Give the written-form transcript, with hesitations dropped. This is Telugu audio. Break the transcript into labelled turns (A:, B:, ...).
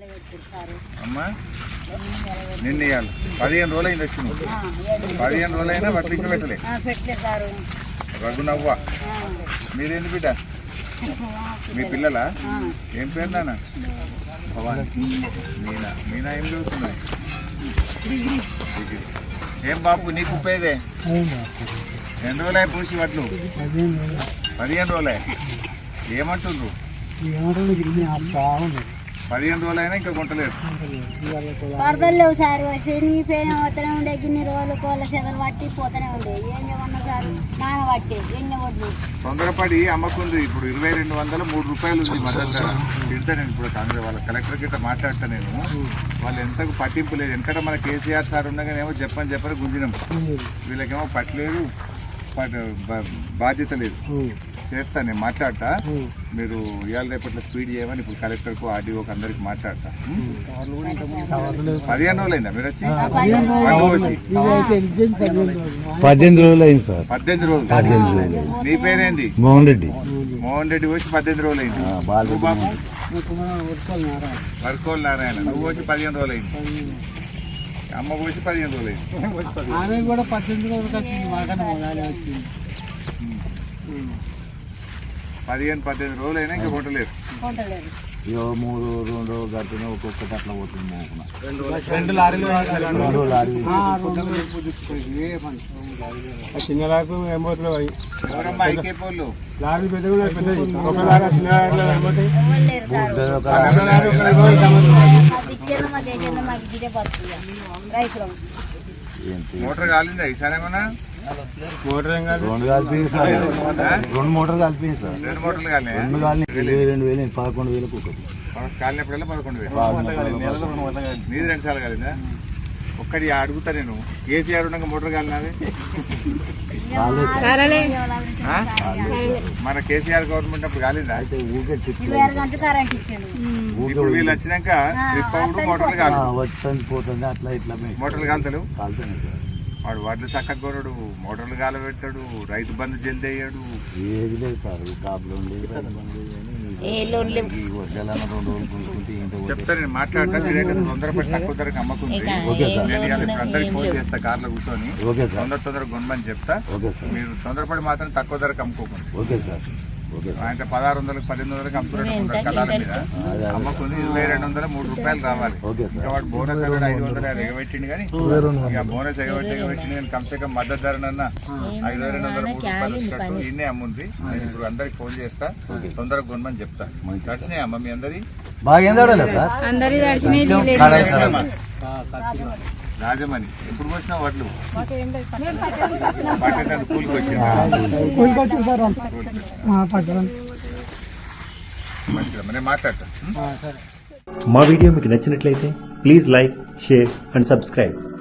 A: అమ్మా నిన్న ఇవ్వాలి 15 రోజులు అయింది వచ్చి 15 రోజులు అయినా వడ్లు ఇంకా పెట్టలే రఘునవ్వ మీరేంటి బిడ్డ మీ పిల్లలా ఏం పేరు నాన్న భవాని మీనా మీనా ఏం చదువుతున్నాయి ఏం బాబు నీకు ఉపయోగే ఎన్ని రోజులే పూసి వడ్లు 15 రోజులే ఏమంటుండ్రు 15 రోజులైనా ఇంకా కొంటలేదు
B: వరదలు లేవు సార్ శనిపోయిన పోతూనే ఉండే గిన్ని రోజులు కోళ్ళ చెదలు పట్టి పోతూనే ఉండే ఏం చేయమన్నా సార్ నాన పట్టి ఎన్ని వడ్లు
A: తొందరపడి అమ్మకుంది ఇప్పుడు 2200 3 రూపాయలు ఉంది మద్దతు ధర తింటా నేను ఇప్పుడు కాంగ్రెస్ వాళ్ళ కలెక్టర్ గిట్ట మాట్లాడతా నేను వాళ్ళు ఎంతకు పట్టింపు లేదు ఎందుకంటే మన కేసీఆర్ సార్ ఉండగానేమో చెప్పని గుంజినాం వీళ్ళకేమో పట్టలేదు బాధ్యత లేదు చేస్తా నేను మాట్లాడతా మీరు ఇవాళ రేపట్లో స్పీడ్ చేయమని ఇప్పుడు కలెక్టర్కు ఆర్డీఓకి అందరికి మాట్లాడతా 15 రోజులైందా మీరు వచ్చి
C: 18 రోజులు అయింది సార్
A: 18 రోజులు నీ పేరేంటి మోహన్ రెడ్డి వచ్చి 18 రోజులు అయింది బాబు వర్కోల్ నారాయణ నువ్వు వచ్చి 15 రోజులు అయింది అమ్మ వచ్చి 15 రోజులు అయింది
D: కూడా 18 రోజులు
A: 15 రోజులు అయినా ఇంకా కొట్టలేదు
C: 3 2 గట్టిన ఒక్కొక్కటి అట్లా పోతుంది
D: 2 లారీలు చిన్న లారీ ఏం పోతున్నాయి లారీ పెద్ద ఒక లారీ చిన్న
A: మోటార్ కాలిందా ఈసారి ఏమన్నా
D: మోటార్ ఏం కాదు
C: 2 కలిపి సార్ 2 మోటార్లు కలిపి సార్
A: 2 మోటార్లు కాలే
C: 22,000 11,000 ఒకటి
A: కాలినప్పుడల్లా 11,000 నీది 2 సార్లు కాలిందా ఒక్కటి అడుగుతా నేను కేసీఆర్ ఉండగా మోటార్ కాలినది మన కేసీఆర్ గవర్నమెంట్ అప్పుడు కాలిందా ఇప్పుడు వీళ్ళు వచ్చినాక మోటార్లు కాలి
C: వచ్చి పోతుంది అట్లా ఇట్లా
A: మోటార్లు కాలుతలేవు
C: కాలుతాయి
A: వాడు వడ్లు చక్కగా కొనడు మోటార్లు కాల పెట్టాడు రైతు బంధు జల్ది అయ్యాడు
C: ఏది లేదు సార్ కాపులు
A: చెప్తా నేను మాట్లాడతా మీరైతే తొందరపడి తక్కువ ధరకు అమ్మకుంది నేను అందరికి ఫోన్ చేస్తా కార్లో కూర్చొని తొందరగా కొనమని చెప్తా మీరు తొందరపడి మాత్రం తక్కువ ధరకు అమ్ముకోకండి
C: ఓకే సార్
A: ఆయన 1600 1800 అమ్ముతున్నట్టు కళాల మీద అమ్మకుంది 2200 3 రూపాయలు రావాలి ఇంకా వాడు బోనస్ అనేది 500 ఎగబెట్టిండు కానీ ఇక బోనస్ ఎగబెట్టిండు కానీ కమ్సే కమ్ మద్దతు ధరనన్నా 5200 3 రూపాయలు వచ్చినట్టు ఇన్నే అమ్ముంది నేను ఇప్పుడు అందరికి ఫోన్ చేస్తా తొందరగా కొనమని చెప్తా దర్శనే అమ్మ మీ అందరి రాజమణి ఎప్పుడు వచ్చినా వడ్లు కూలికి వచ్చింది నేను మాట్లాడతా
E: మా వీడియో మీకు నచ్చినట్లయితే please like share and subscribe.